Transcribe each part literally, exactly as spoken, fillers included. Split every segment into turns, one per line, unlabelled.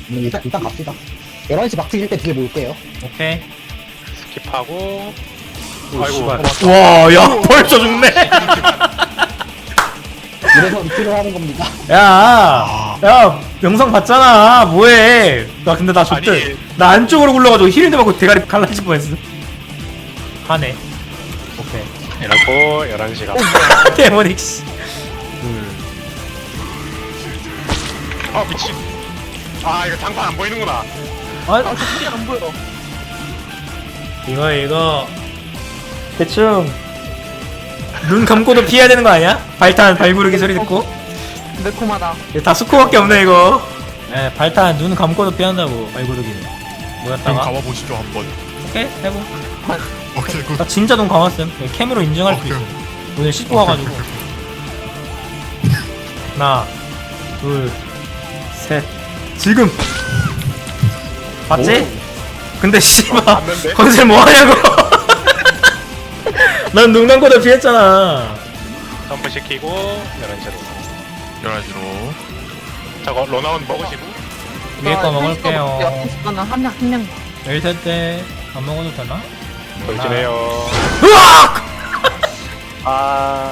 음, 일단, 일단 갑시다. 열한 시 막 트일 때 뒤에 모을게요.
오케이.
스킵하고.
오,
아이고.
씨발.
어,
와, 야, 벌써 죽네.
이래서 리필을 하는 겁니다.
야, 야, 영상 봤잖아. 뭐해? 나 근데 나 좋대.
아니.
나 안쪽으로 굴러가지고 힐인데 맞고 대가리 갈라질 뻔했어. 하네. 오케이.
이러고 열한 시가.
데모닉 씨.
아 미친. 아 이거 장판 안 보이는구나.
아,
저 소리 안 보여.
이거 이거 대충 눈 감고도 피해야 되는 거 아니야? 발탄 발구르기 소리 듣고.
매콤하다.
이거 다 수코밖에 없네 이거. 네, 발탄 눈 감고도 피한다고 발구르기는.
그럼
뭐였다가?
가봐보시죠 한번.
오케이 해보.
오케이 굿.
나 진짜 눈 감았음. 캠으로 인증할 수
오케이.
있어. 오늘 씻고 와가지고. 하나, 둘, 셋. 지금. 봤지? 근데 씨발
봤는데?
건슬 뭐하냐고. 난 눈 감고도 피했잖아.
점프 시키고 열한 시로.
열한 시로.
저거 로나운 먹으시고.
위에 거 먹을게요.
옆에 거는 한 명, 한 명.
일 세 때 안 먹어도 되나?
돌진해요.
으악!
아.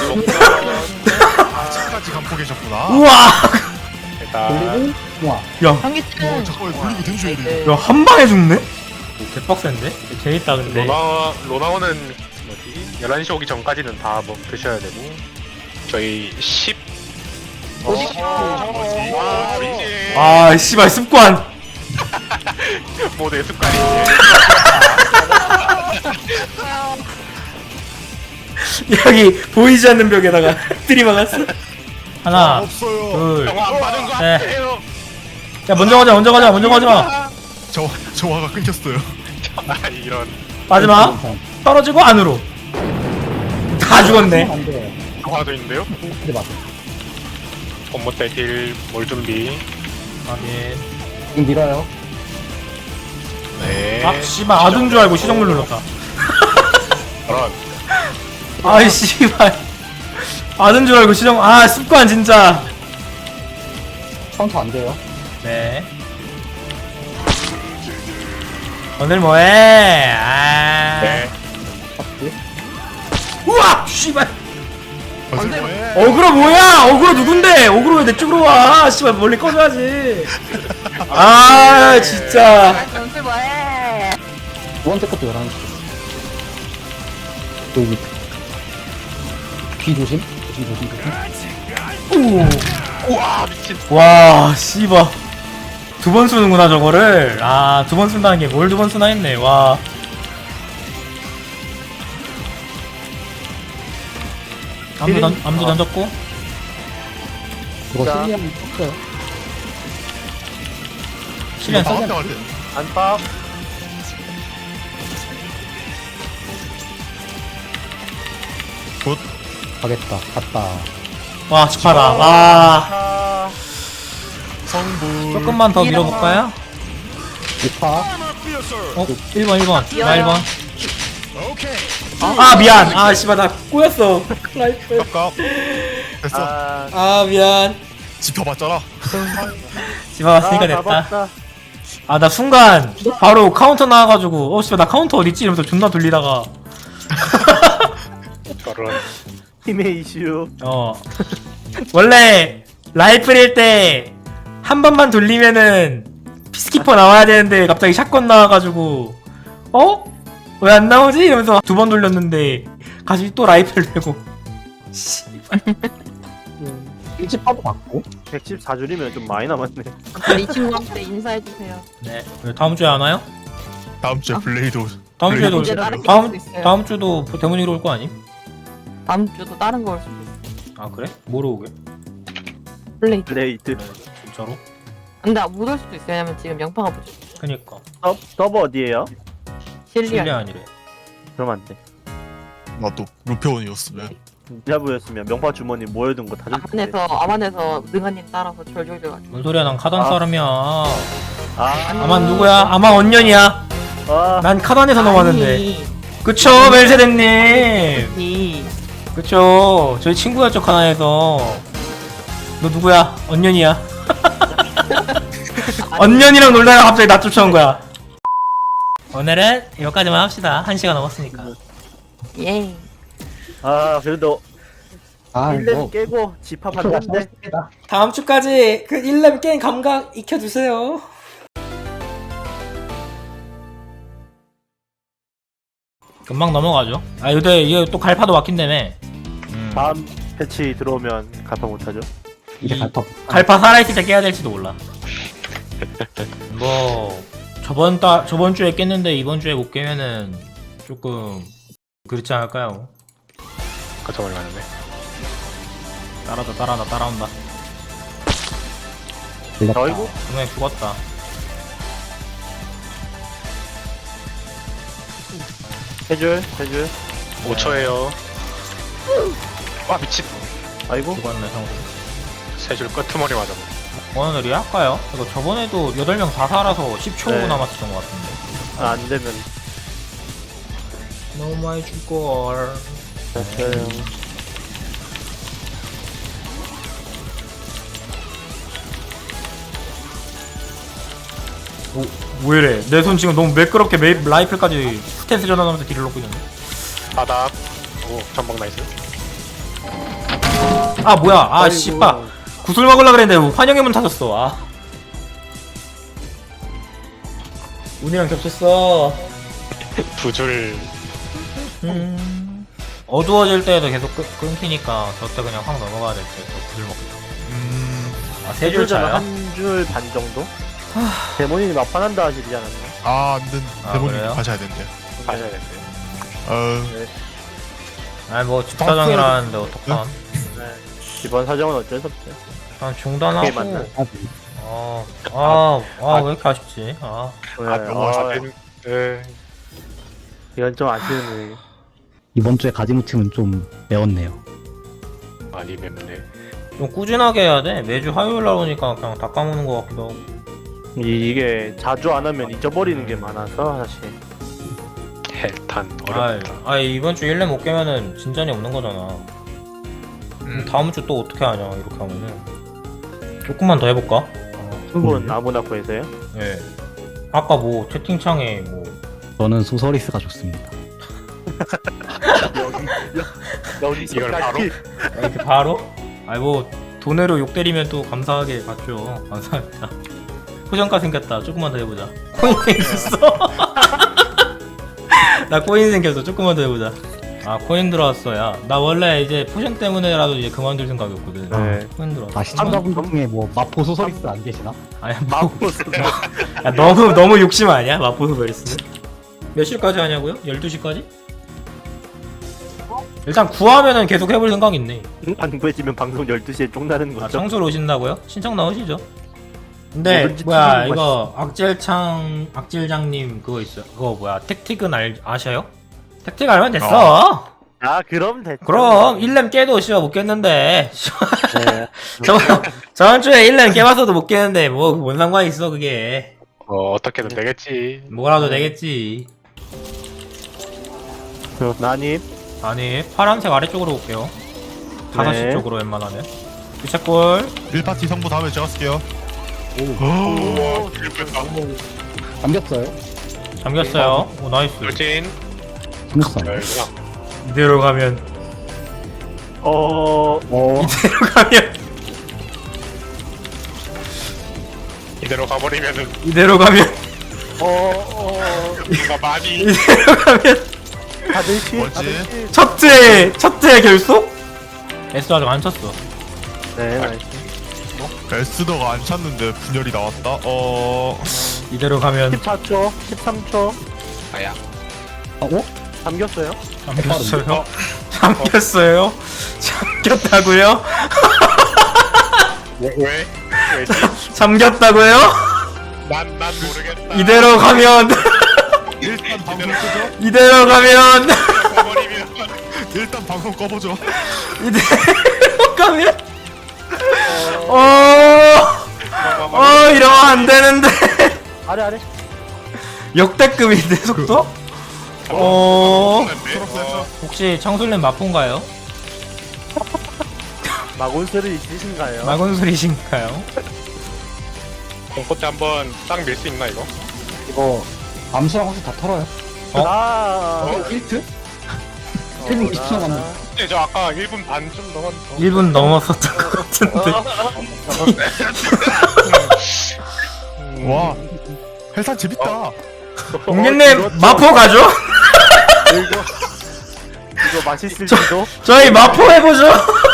아직까지 감고 계셨구나.
우와!
일단.
돌리고, 우와.
야,
어
현기증.
잠깐만 돌리고 댕줘야 돼.
야, 한 방에 죽네? 개빡센데? 재밌다, 근데.
로나 로나오는 뭐지? 열한 시 오기 전까지는 다 뭐 드셔야 되고. 저희 십.
어디
어,
뭐지?
와 미친.
아, 씨발, 습관!
모두의 습관이.
여기 보이지 않는 벽에다가 들이박았어.
아,
하나,
없어요.
둘.
영화 안 받은 거
네.
아니에요?
야, 먼저 가자, 먼저 가자, 먼저 가자.
저 저화가 끊겼어요.
아 이런.
마지막. 떨어지고 안으로. 다 죽었네.
안 돼.
영화도 있는데요?
근데 맞아.
본모때 딜몰 준비.
확인.
지금 밀어요.
네.
아, 씨발, 아둔 줄 알고 시정물 눌렀다.
그런.
아이, 씨발. 아둔 줄 알고 시정, 아, 습관, 진짜.
카운터 안 돼요.
네. 오늘 뭐해? 아.
네.
파트.
우와! 씨발.
무슨 뭐해?
어그로 뭐야? 어그로 누군데? 어그로 왜 내 쪽으로 와? 씨발, 멀리 꺼져야지. 아, 진짜.
연습 뭐해?
두 번째 것도 열한 시. 여기. 귀 조심. 조심, 조심, 조심.
오.
우와 미친.
와, 씨발. 두 번 쓰는구나, 저거를. 아, 두 번 쓴다는 게 뭘 두 번 쓰나 했네, 와. 암도, 던, 암도 던졌고.
이거
자.
실리안 쳤어요.
실련
다음
써자.
때 할 때.
안밥.
굿.
가겠다. 갔다.
와, 축하다. 와.
아.
성불.
조금만 더 밀어볼까요?
이파.
어? 일 번, 일 번. 나 일 번.
오케이.
아, 미안. 아, 씨발, 나 꼬였어. 라이프.
깝깝. 됐어.
아, 미안.
짚어봤잖아.
집어왔으니까 됐다. 아, 나 순간 바로 카운터 나와가지고 어 씨발 나 카운터 어딨지? 이러면서 존나 돌리다가
저런.
팀의 이슈.
어 원래 라이플일 때 한 번만 돌리면은 피스키퍼 나와야 되는데 갑자기 샷건 나와가지고 어? 왜 안 나오지? 이러면서 두 번 돌렸는데 다시 또 라이플 되고 씨발.
일집파도 맞고.
백십사 줄이면 좀 많이 남았네.
이 친구한테 인사해주세요.
네. 다음 주에 안 와요?
다음 주에 블레이드.
다음 주에도
이제 다른 게
다음
있을 수 있어요.
다음 주도 데모닉으로 올 거 아니?
다음 주도 다른 거 올 수도 있어.
아 그래? 뭐로 오게?
플레이.
블레이드.
진짜로?
근데 못 올 수도 있어요. 왜냐면 지금 양파가 붙여.
그니까
서, 서버 어디에요?
실례
실리안.
아니래.
그럼 안 돼.
나도 루페온이었으면.
진짜부였으면 명파 주머니 모여둔 거 다 줄 텐데.
아만에서 아만에서 능아님 따라서 졸졸졸가지고.
뭔 소리야? 난 카단
아.
사람이야.
아,
아만 누구야? 아만 언년이야.
아,
난 카단에서 넘어왔는데. 그쵸, 멜세덴님.
이
그쵸. 저희 친구였죠, 카단에서. 너 누구야? 언년이야. 언년이랑 놀다가 갑자기 나 쫓아온 거야. 오늘은 여기까지만 합시다. 한 시간 넘었으니까.
예.
아 그래도
아,
일 렘
뭐.
깨고 집합하는데
다음 주까지 그 일 렘 게임 감각 익혀주세요. 금방 넘어가죠. 아 근데 이게 또 갈파도 막힌다며. 음.
다음 패치 들어오면 가파 못하죠.
이제
이-
갈파.
갈파 살아있을 때 깨야 될지도 몰라. 뭐 저번 달 저번 주에 깼는데 이번 주에 못 깨면은 조금 그렇지 않을까요?
거쳐버리 가는데.
따라다 따라다 따라온다.
걸렸다.
어이구
분명히 죽었다.
해줄 해줄.
오 초에요. 와 미친.
아이고
죽었네 성수.
세 줄 끄트머리 맞아.
오늘 리할까요? 이거 저번에도 여덟 명 다 살아서 십 초
네.
남았었던 것 같은데.
아, 안 되면
너무 많이 죽걸.
됐어요.
오, 왜 이래? 내 손 지금 너무 매끄럽게 메, 라이플까지 스탠스 전환하면서 딜을 넣고 있는데.
바닥. 오 전방 나이스.
아 뭐야? 아
아이고.
씨빠. 구슬 먹으려 그랬는데 환영의 문 타졌어. 아. 운이랑 겹쳤어.
두 줄.
음. 어두워질 때에도 계속 끊, 끊기니까 저때 그냥 확 넘어가야 될 때 또 구슬 먹겠다.
음,
아세 줄 차요?
한줄 반 정도? 데모님이 막판한다 하시지 않았나?
아, 안 된.
아,
대본님
그래요?
가셔야 된대.
가셔야 되는데.
어,
아니 뭐 집사정이라는데 어떡함?
네. 이번 사정은 어쩔 수 없죠.
난
그게
중단하고.
맞나?
아, 아, 아, 왜 이렇게 아쉽지? 아,
네.
아 너무
아,
아쉽네. 네.
이건 좀 아쉬운
이번 주에 가지무침은 좀 매웠네요.
많이 맵네.
좀 꾸준하게 해야 돼. 매주 화요일 날 오니까 그냥 다 까먹는 것 같기도 하고.
이, 이게 자주 안 하면 잊어버리는 게 많아서 사실.
해탄
아,
어렵다.
아 이번 주 일 렘 못 깨면은 진전이 없는 거잖아. 그럼 다음 주 또 어떻게 하냐 이렇게 하면은. 조금만 더 해볼까?
승부는 아무나 구해서요.
예. 아까 뭐 채팅창에 뭐
저는 소서리스가 좋습니다.
여기
이걸 바로?
이렇게 바로? 아이 뭐 돈으로 욕 때리면 또 감사하게 받죠. 감사합니다. 포장가 생겼다. 조금만 더 해보자. 코인 생겼어. 나 코인 생겼어. 조금만 더 해보자. 아 코인 들어왔어. 야 나 원래 이제 포션 때문에라도 이제 그만둘 생각이었거든.
네.
코인 들어왔어.
아, 시청자분 중에 뭐 마포 소서리스 안 계시나?
아니 뭐,
마우스.
야, 너무 너무 욕심 아니야? 마포소 베리스는? 몇 시까지 하냐고요? 열두 시까지? 일단 구하면은 계속 해볼 생각 있네.
안 구해지면 방송 열두 시에 쪽나는
아
거죠.
청소로 오신다고요? 신청 나오시죠? 근데
뭐든지
뭐야
튀기는
이거 악질창 악질장님 그거 있어요. 그거 뭐야 택틱은 알 아셔요? 택틱 알면 됐어.
아 그럼 됐죠.
그럼 일 렘 깨도 씨발 못 깼는데
네.
저번 저번 주에 일 렘 깨봤어도 못 깼는데 뭐 뭔 상관이 있어 그게.
어 어떻게든 되겠지.
뭐라도 되겠지.
그, 나님.
아니 파란색 아래쪽으로 올게요. 다섯 시
네.
쪽으로 웬만하면. 유채골
일 파티 성부 다음에 제가 쓸게요.
우와 길뺐다.
잠겼어요?
잠겼어요. 오 나이스.
돌진.
잠겼어요.
열구나.
이대로 가면
어.
어,
이대로 가면
이대로 가버리면은
이대로 가면
어. 어.
뭔가 많이
이대로 가면
다들 시.
뭐지?
다들 시.
첫째 첫째 결속? 에스 아직 안 쳤어.
네. 나이스.
에스더가 안 찼는데 분열이 나왔다. 어,
이대로 가면
십사 초. 십삼 초.
아야.
어? 어?
잠겼어요.
잠겼어요. 잠겼어요. 잠겼다고요?
왜 왜? 왜지?
잠겼다고요?
난난 모르겠다.
이대로 가면
일단 방송 끄죠.
이대로 가면
가버리면
일단 방송 꺼보죠.
이대로 가면 어. 어 이러면 안 되는데.
아래 아래.
역대급인데 속도? 어
어,
혹시 청술님 마포인가요?
마곤스를 있으신가요?
마건술이신가요?
봄꽃 한번 딱 밀 수 있나 이거?
이거 암수랑 혹시 다 털어요?
어?
아,
어? 일 트? 일 분 이십 초 남았네.
네, 저 아까 일 분 반 좀 넘었.
일 분 넘었었던 것 같은데.
음,
와 해산 재밌다.
공개님 마포 가죠?
이거 이거 맛있을지도.
저희 마포 해보죠.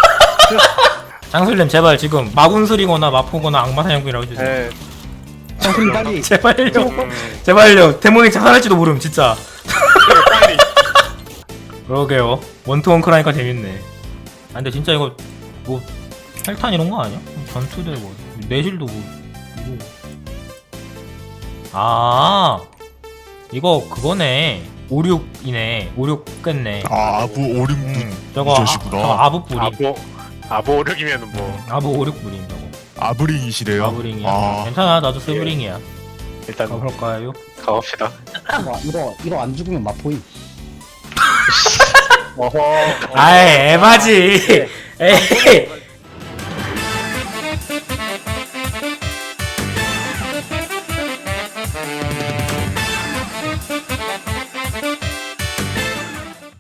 장술님 제발 지금 마군술이거나 마포거나 악마사냥꾼이라고 해주세요.
네.
장수님 빨리.
제발요.
음,
제발요. 데몬이 자살할지도 모름 진짜.
네, 빨리.
그러게요. 원투원크 라니까 재밌네. 아 근데 진짜 이거 뭐 헬탄 이런 거 아니야? 전투대 뭐 내실도 뭐 이거. 아 이거 그거네. 오륙이네. 오륙 깼네.
아 아부 오륙
음, 저거 아,
이것이구나.
저거 아부 뿌리.
아보 아보 오륙이면은 뭐
아부 오륙 뿌리 저거.
아브링이시래요.
아부링이야.
아
괜찮아 나도 스브링이야.
일단
가볼까요?
가봅시다.
와, 이거 이거 안 죽으면 마포임.
어허.
아이 에바지. 에이